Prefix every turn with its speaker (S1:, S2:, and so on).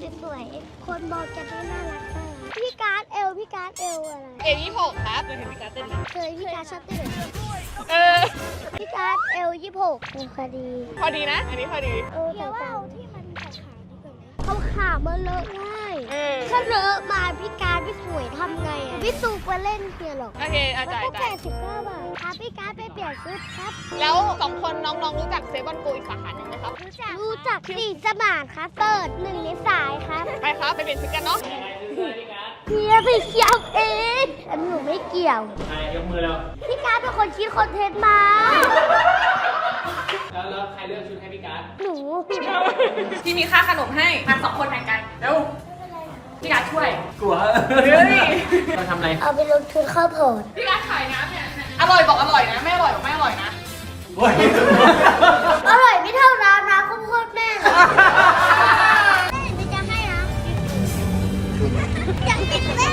S1: สวยๆคนบอกจะได้น่ารักน่ารักพี่การ์ดเอลอะไร
S2: 26ครับเคยเห็นพี่การเต้นไหม
S1: เคยพี่การ์ดชอบเต้น
S2: เออ
S1: พี่การ์ดเอล26พอดี
S2: พอดีนะ อันนี้พอดี
S1: แต่ว่าเอาที่มันขาขามันเลอะง่าย
S2: เออ
S1: ถ้าเลอะมาพี่การ์ดไม่สวยทำไงอ่ะพี่ตูไปเล่นเพียหรอก
S2: โอเคอา
S1: แล้ว
S2: จ่าย
S1: ก็
S2: จ่าย
S1: 89 บาทพาพี่การ์ดไปเปลี่ยนชุดครับ
S2: แล้ว2คนน้องๆรู้จักเซฟอนโกอีกสาขาหนึ่งไหมครับ
S1: รู้จักสีสมานครับเปิด1 ในสายครับ
S2: ไปครับ ไปเปลี่ยนชุดกันเนาะ
S1: เฮียไปเกี่ยวเองอันหนูไม่เกี่ยว
S3: ใครยกมือแล้ว
S1: พี่การ์ดเป็นคนคิดคอนเทนต์มา
S3: แล้วใครเลือกชุดให้พี่การ์ด
S1: หนู
S4: พี่มีค่าขนมให้มา2 คนแข่งกันเร็วพี่การช่วย
S3: กลัว
S2: เฮ้ย
S3: เราทำอะไร
S1: เอาไปลงทุนข้าวโพด
S4: พี่การขายน้ำเนี่ย
S2: อร่อยบอกอร่อยนะ ไม่อร่อยบอกไม่อร่อยนะ
S3: โอ้ย
S1: อร่อยไม่เท่าน้ำข้าวโพดแม่เลยแม่จะให้นะอยากกินแม่